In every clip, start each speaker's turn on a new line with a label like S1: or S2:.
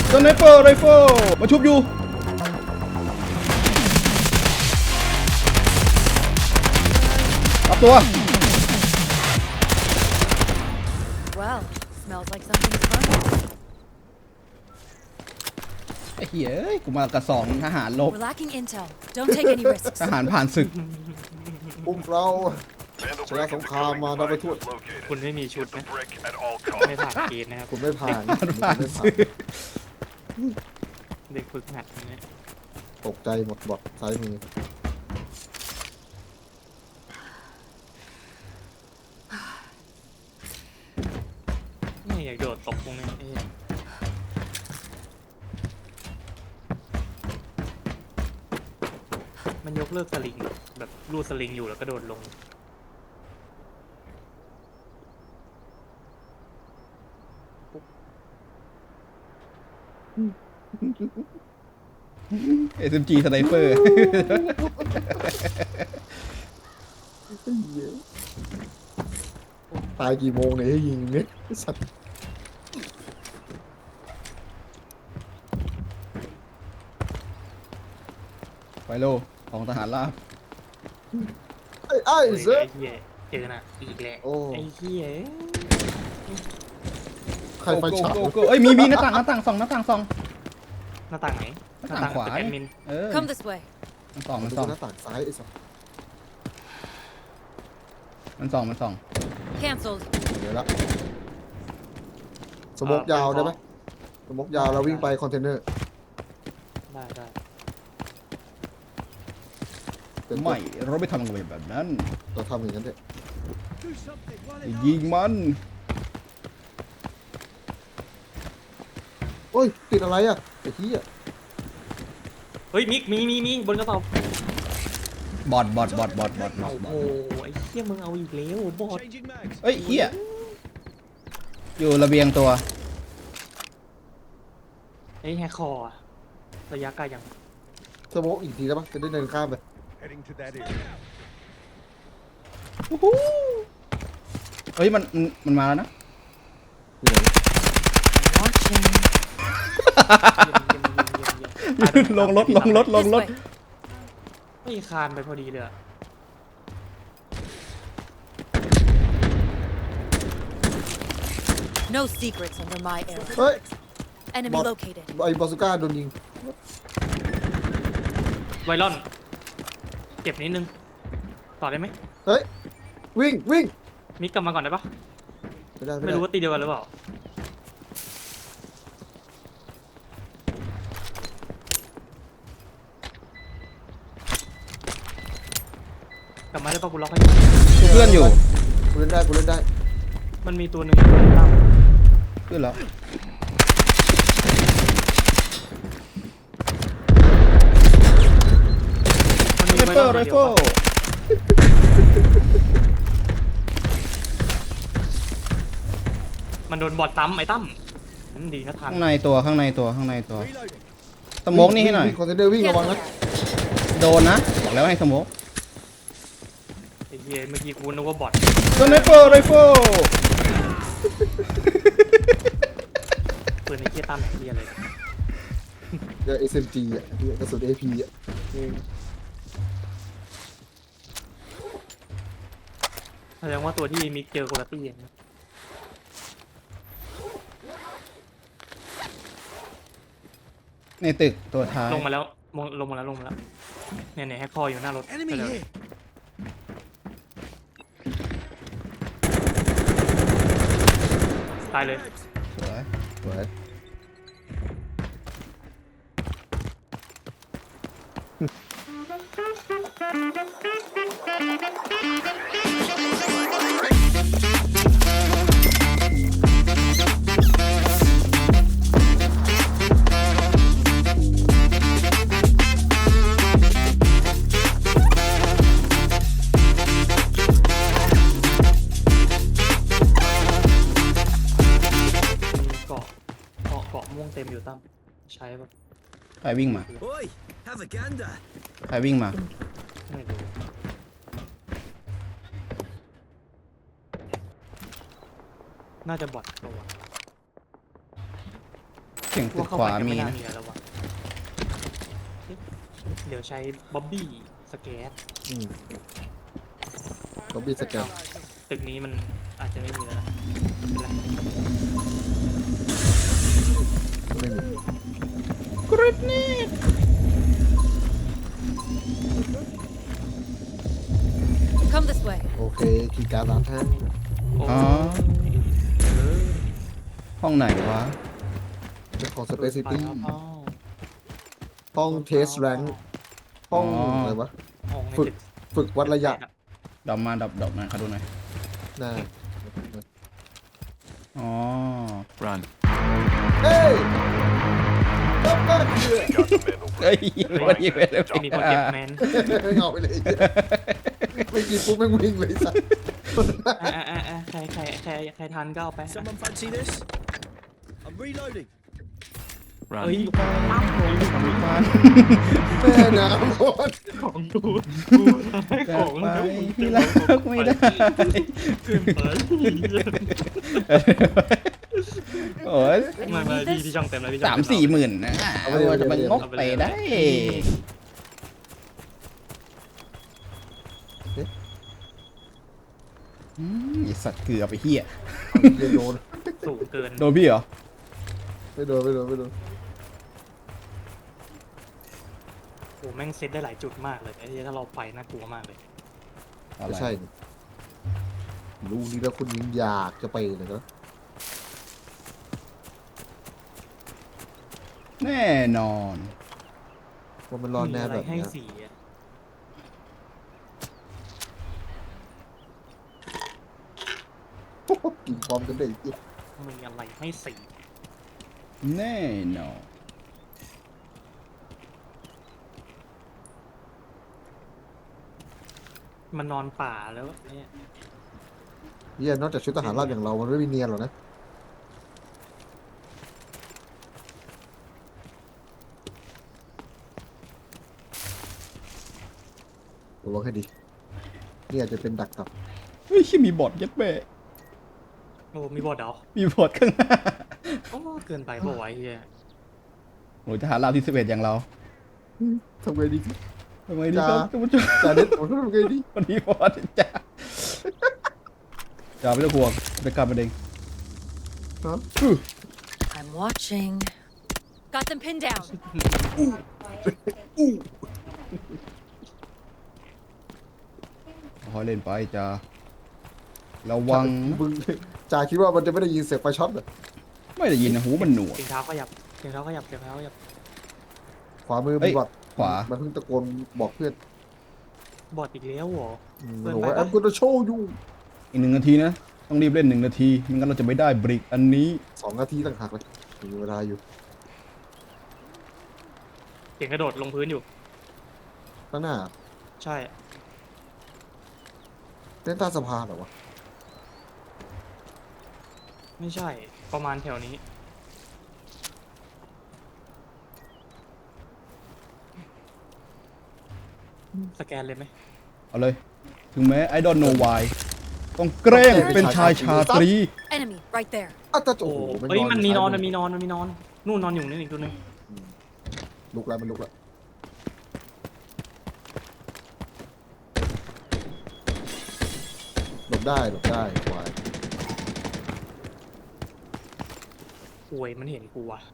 S1: สไนเปอร์ไรเฟิลมาชุบอยู่รับตัว
S2: Well, smells like something's fun.
S1: ไอ้เหี้ยกูมากระสองทหารลบ
S2: We're lacking intel. Don't take any risks.
S1: ทหารผ่านศึก
S3: พวกเราชนะสงครามมาเราไปทั่ว
S4: คุณไม่มีชุดนะไม่ผ่านเกณฑ์นะครับ
S3: คุณไม่ผ่าน
S1: ผ่าน
S3: คุณไม่
S1: ศึก
S4: เด็กฝึกหัดอย่างเงี้ย
S3: ตกใจหมดบอดซ้ายมือ
S4: ไม่อยากโดดตกตรงนี้เอ้ยมันยกเลิกสลิงแบบรูดสลิงอยู่แล้วก็โดดลง
S1: SMG สไนเปอร์
S3: ตายกี่โมงเนี่ยให้ยิงเนี่ยสัตว์
S1: ไฟโลของทหารราบ
S3: ไอ้
S4: โอ้ย
S3: เสือ
S4: ไอ้เหี้ยเจอน่ะอีกแล้ว
S3: โอ้
S4: ไอ้เหี้ย
S3: ใครไฟฉาย
S1: โกโก้เอ้ยมีหน้าต่างส่องหน้าต่างส่อง
S4: หน้าต่างไหน
S1: หน้าต่างขวา
S4: ตึกแอดมิน
S1: เออ
S2: Come this way.
S1: มันส่อง
S3: ดูหน้าต่างซ้ายไอ้สัตว์
S1: มันส่อง
S2: Cancelled.
S3: เดี๋ยวละสโมกยาวได้ไหมสโมกยาวเราวิ่งไปคอนเทนเนอร์
S4: ได้ได้
S3: เป็น
S1: ไม่เราไม่ทำกันแบบนั้น
S3: เราทำอย่างนั้นเถอะ
S1: ยิงมัน
S3: โอ้ยติดอะไรอ่ะไอ้เหี้ย
S4: เฮ้ยมิกมีบนกระสอบบ
S1: อด
S4: โอ้โหไอ้เหี้ยมึงเอาอีกแล้วบอด
S1: เอ้ยเหี้ยอยู่ระเบียงตัว
S4: ไอ้แฮกคอร์อะระยะไกลยัง
S3: สโมกอีกทีได้ปะจะได้เดินข้ามไป
S5: Heading to that area.
S1: เฮ้ยมันมาแล้วนะ
S3: อยู่ไหน
S2: Watching.
S1: ลงรถ
S2: This way.
S4: ไม่คานไปพอดีเลยอะ
S2: No secrets under my area.
S3: เฮ้ย
S2: Enemy
S3: Bot.
S2: located.
S3: ไอ้บาซูก้าโดนยิง
S4: ไวรอนเก็บนิดนึงต่อได้ไหม
S3: เฮ้ยวิ่ง
S4: มิกกลับมาก่อนได้ปะ
S3: ไม่ได้
S4: ไม่รู้ว่าตีเดียวกันหรือเปล่า กลับมาได้ปะกูล็อกให้อยู่
S1: ดูเพื่อนอยู่
S3: กูเล่นได้
S4: มันมีตัวหนึ่งตั้ม
S1: ขึ้นแล้ว
S4: มันมี
S1: ไรเฟิลไรเฟิล
S4: มันโดนบอดตั้มไอ้ตั้มนั่นดีนะทัน
S1: ข้างในตัวสโมกนี่ให้หน่อย
S3: คอนเทนเนอร์วิ่งระวัง
S2: Cancel
S3: นะ
S2: that.
S1: โดนนะบอกแล้วให้สโมก
S4: ไอ้เหี้ยเมื่อกี้กูนึกว่าบอด
S1: สไนเปอร์ไรเฟิล
S4: ปืนไอ้เหี้ยตั้มไอ้เหี้ยเลย
S3: เดี๋ยว SMG อ่ะเดี๋ยวกระสุน AP อ่ะ
S4: แสดงว่าตัวที่มิกเจอโคลาตี้นะ
S1: ในตึกตัวท้าย
S4: ลงมาแล้วเนี่ยแฮกคอร์อยู่หน้ารถ
S5: Enemy
S4: ไปเลย
S5: here.
S4: ตายเลย
S1: สวย
S3: สวย
S4: มีเกาะม่วงเต็มอยู่ตั้มใช้ปะ
S1: ใครวิ่งมา
S5: Oi, have a gander.
S1: ใครวิ่งมา
S4: ไม่รู้น่าจะบอดตัว
S1: สียงตึ
S4: ว่าก เข้า
S1: ข
S4: ไป
S1: วา
S4: กัน
S1: มี
S4: ไม่น่า
S1: นะ
S4: มีแล้ววะเดี๋ยวใช้บ๊อบบี้สแกต
S3: ต้องบีสแกน
S4: ตึกนี้มันอาจจะไม่มีแล้วนะเป็นไร
S3: ไม่มี
S1: กริดนี่
S2: Come this way.
S3: โอเคคีย์การ์ดร้านแท้
S4: โอ้
S1: อ๋อ
S4: เออ
S1: ห้องไหนวะ
S3: เป็นของสเปซซิ
S4: ไป
S3: ตี้
S4: แล้วเปล่า
S3: ห้องเทสแรงห้องอะไรวะ
S4: ห้องใน
S3: ฝึก
S4: ตึก
S3: ฝึกวัดระยะ
S1: ดอกมาดอกมาเขาดูหน่อย
S3: น่า
S1: อ๋อ
S5: Run.
S3: เฮ้ยก็คือ
S1: เฮ้ยวันนี้เป็น
S4: ไอ้นี่พอเก็บแมน
S3: เอาไปเลยไม่กินปุ๊บไม่วิ่งเลยสัส
S4: ใครทันก็เอาไป
S5: Someone fancy this? I'm reloading.
S4: เอ้ย
S5: Run.
S3: แม่น้ำหมด
S4: ของดู
S1: จะ
S4: ของ
S1: ไป
S4: ดู
S1: พี่รักไม่ได้
S4: เกินไป
S1: โอ้ย
S4: ไม่พี่ช่องเต็มแล้วพี่ช่อง
S1: 3-4 หมื่นนะว่าจะมันงกไปได้ไอสัตว์เกือบไปเฮีย
S3: เรียนโดน
S4: สูงเกิน
S1: โดนพี่เหรอ
S3: ไม่โดนไม่โดนไม่โดน
S4: โอ้แม่งเซตได้หลายจุดมากเลยไอ้ที่ถ้าเราไปน่ากลัวมากเลย
S3: ไม่ใช่นี่รู้นี่แล้วคุณยังอยากจะไปเลยนะ
S1: แน่นอน
S3: ว่ามันรอนแน่
S4: มีอะไร
S3: แบบ
S4: ให้
S3: เนี้ย
S4: สีอะ
S3: กินความกันได้อีก
S4: มีอะไรให้สี
S1: แน่นอน
S4: มันนอนป่าแล้วเนี่ย
S3: เหี้ยนอกจากชุดทหารราบอย่างเรา มันไม่มีเนียนหรอกนะระวังให้ดีนี่อาจจะเป็นดักกลับ
S1: เฮ้ยมีบอทยัดแบะ
S4: โอ้มีบอดเดา
S1: มีบอทข้างหน้า
S4: โอ้เกินไปเปล่าวะไอ้เฮีย
S1: โอ้ยทหารราบที่11อย่างเรา
S3: ทำไงดี
S1: ทำไมดีครับท่านผู้ชม
S3: จ่าเด็ดผมทำไงดี
S1: วันนี้บอทจ้าอย่าไม่ต้องห่วงไปกลับมาเอง
S3: ฮะ
S2: I'm watching. Got them pinned down.
S1: ค่อยเล่นไปจ้าระวังนะ
S3: มึงจ่าคิดว่ามันจะไม่ได้ยินเสียงไฟช็อตเหรอ
S1: ไม่ได้ยินนะหูมันหนวก
S4: เสียงเท้าขยับเสียงเท้าขยับเสียงเท้าขยับ
S3: ขวามือ
S1: เอ้
S3: มี
S1: ย
S3: บอด
S1: ขวา
S3: มันเพิ่งตะโกนบอกเพื่อน
S4: บอดอีกแล้วเหรอ เกิน
S3: บอก
S4: ไป
S3: ว่า
S4: ปะ
S3: แอมกูจะโชว์อยู่
S1: อีก1 นาทีนะ ต้องรีบเล่น1 นาทีไม่งั้นเราจะไม่ได้บริกอันนี้
S3: 2 นาทีต่างหากเลยมีเวลาอยู่
S4: เสียงกระโดดลงพื้นอยู่
S3: ข้างหน้า
S4: ใช่
S3: เต้นใต้สะพานเหรอวะ
S4: ไม่ใช่ประมาณแถวนี้ สแกนเลยไหม
S1: เอาเลย ถึงแม้ I don't know why ต้องแกล้งเป็นชายชาตรี
S2: Enemy right there.
S3: อ้าวแต่โอ้
S4: โอ้
S3: โห
S4: เอ้ยมันมีนอน
S3: ซ้าย
S4: มันมีนอนมันมีนอนนู่นนอนอยู่นี่อีกตัวหนึง
S3: ลุกแล้วมันลุกแล้วหลบได้หลบได้ควาย
S4: โอ้ยมันเห็นกูว่ะ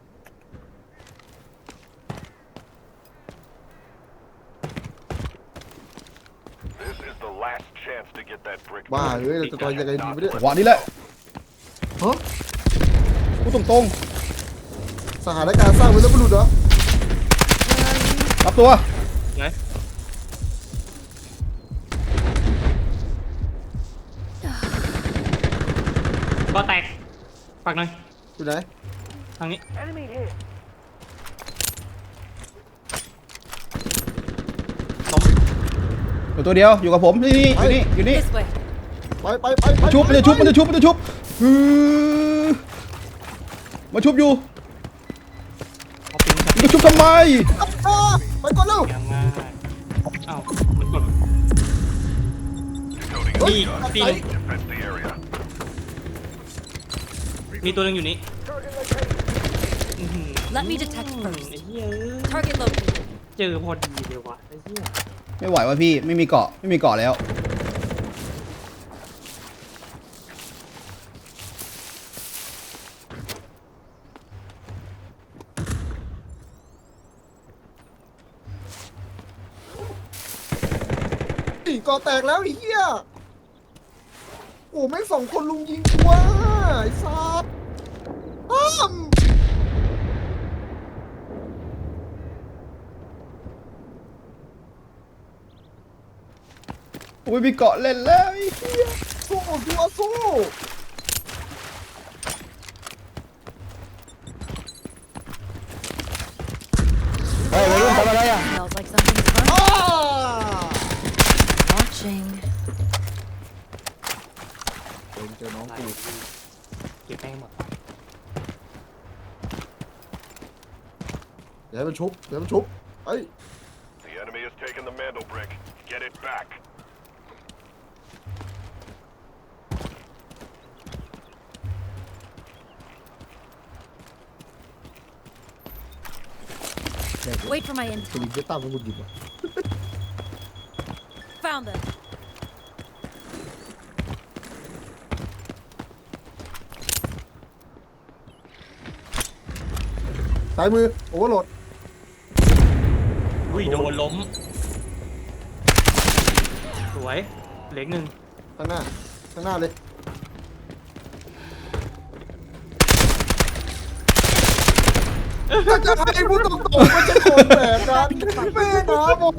S3: บ้าเอ้ยเราจะต่อยยังไงดีไม่ได้
S1: หวานี้แหละ
S3: ฮะ
S1: พูดตรง
S3: สถานการณ์สร้างไว้แล้วไม่รู้เหรอ
S1: ๆรับตัว
S4: ไงก็แตกปักหน่อย
S3: อยู่ไหน
S4: ทางนี้
S1: อยู่ตัวเดียวอยู่กับผมนี่อยู่นี่
S2: This way.
S3: ไป
S1: มันจะชุบมันจะชุบฮือมาชุบอยู่
S4: เอาปืนจับ
S1: มันจะชุบทำไม
S3: อ่าไปก่อนเร็ว
S4: ยังง่ายอ้าวมันกด
S3: เฮ้ย
S4: ตีหนึ่งมีตัวหนึงอยู่นี่อื้อหือ
S2: Let me detect first
S4: ไอ้เหี้ย
S2: Target located.
S4: เจอพอดีเลยวะไอ้เหี้ย
S1: ไม่ไหวว่ะพี่ไม่มีเกาะไม่มีเกาะแล้ว
S3: ตีก่อแตกแล้วไอ้เหี้ยโอ้แม่ง2 คนลุมยิงกูว่ะไอ้สัสอ้าม
S1: โอ้ยมีเกาะเล่นแล้วไอ้เหี้ย
S3: สู้ดูอาสู้
S1: เฮ้ยวัยรุ่นทำอะไรอ่ะ
S2: Smells like something's
S3: อ้า
S2: burning. Watching.
S3: เจอน้อง
S4: ไล่
S3: กู
S4: เก็บแม่งหมด
S3: เดี๋ยวให้มันชุบเดี๋ยวมันชุบไอ้
S6: The enemy has taken the mantle brick. Get it back.
S3: แดก
S2: Wait for my
S3: สลิ
S2: intel.
S3: งเก็ตตั้งมันบุญหยิบอ่ะ
S2: Found them.
S3: ซ้ายมือโอเวอร์โหลด
S4: อุ้ยโดนล้มสวยเหล็กหนึ่ง
S3: ข้างหน้าเลยก็จะให้พูดตรงๆมันจะโกงแบบนั้นแม่น้ำบน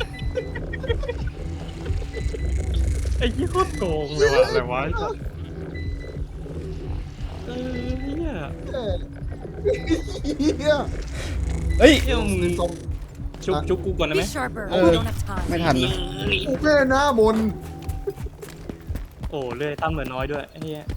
S4: ไอ้ยี่โคตรโกงเลยว่ะอะไรวะเหี้ย
S3: เฮีย
S1: เฮ้ย
S4: เหี้ยมึง
S3: ตรง
S4: ชุบกูก่อนได้ไหม
S2: Be sharper.
S1: Oh.
S2: We don't have time.
S1: ไม่ทันนะ
S3: กูแม่น้ำบน
S4: โอ้เลื่อยตั้มเหลือน้อยด้วยไอ้เหี้ย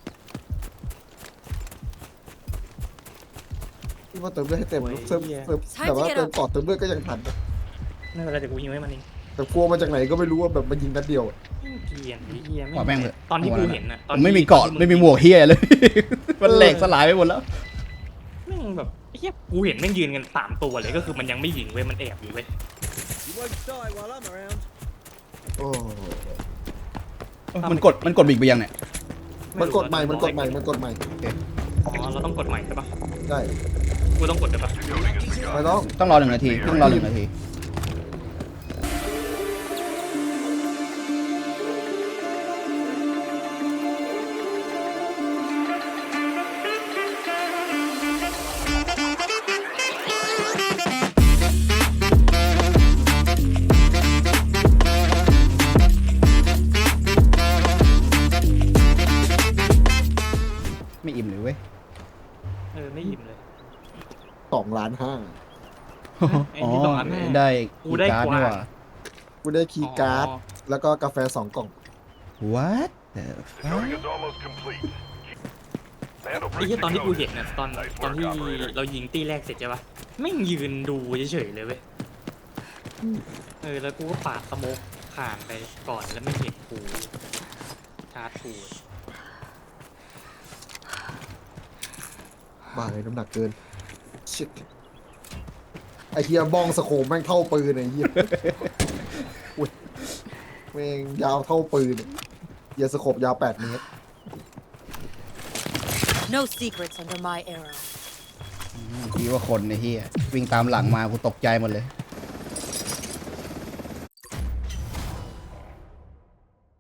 S3: ที่ว่าเติมเลือดให้เต็ม
S4: โอ้ย
S3: เติม
S4: เหี้ย
S3: แต่ว่าเติมต่อเติมเลือดก็ยังทันนะ
S4: ไม่เป็นไรเดี๋ยวกูยิงให้มันเอง
S3: แต่กลัวมาจากไหนก็ไม่รู้ว่าแบบมันยิงนัดเดียวอะ
S4: เกลียนไอ้เหี้ย
S1: ขอแม่งเถอะ
S4: ตอนที่กูเห็นน่ะต
S1: ผ
S4: อน
S1: ม
S4: ที่
S1: ไม่มีเกาะไม่มีหมวกเฮียเลย มันแหลกสลายไปหมดแล้ว
S4: แม่งแบบไอ้เหี้ยกูเห็นแม่งยืนกัน3 ตัวเลยก็คือมันยังไม่ยิงเว้ยมันแอบอยู่เว้ย
S5: You won't die while I'm around.
S3: โอ้
S1: มันกดบิกไปยังเนี่ย
S3: มันกดใหม่มันกดใหม่
S4: อ๋อเราต้องกดใหม่ใช่ปะ
S3: ได้
S4: กูต้องกดได้ปะ
S3: ไม่ต้อง
S1: ต้องรอ1 นาทีต้องรอ1 นาที ไม่อิ่มเลยเว้ย
S4: ไม่ยิ้มเลย
S3: 2.5 ล้าน
S4: ไอ้ที่ต้องอันแน่
S1: ได้
S4: กูได้
S1: การ์ด
S4: กว่า
S1: นี่หว่า
S3: กูได้คีย์การ์ด
S4: อ๋อ
S3: แล้วก็กาแฟ2 กล่อง
S1: what the
S6: The
S1: fuck
S6: turret is almost complete. Mantle
S4: ไอ้
S6: brick
S4: ที่ตอนที่กู
S6: decoded.
S4: เห็นน่ะตอนที่เรายิงตีแรกเสร็จใช่ปะแม่งยืนดูเฉยๆเลยเว้ยแล้วกูก็ปาดสโมกผ่านไปก่อนแล้วไม่เห็นกูชาร์จกู
S3: บ้าเลยน้ำหนักเกิน Shit ไอเฮียบ้องสโคปแม่งเท่าปืนไอ้เฮียอุ๊ยแม่งยาวเท่าปืนเฮียสโคปยาว8 เมตร
S2: No secrets under my arrow.
S1: คิดว่าคนไอ้เฮียวิ่งตามหลังมากูตกใจหมดเลย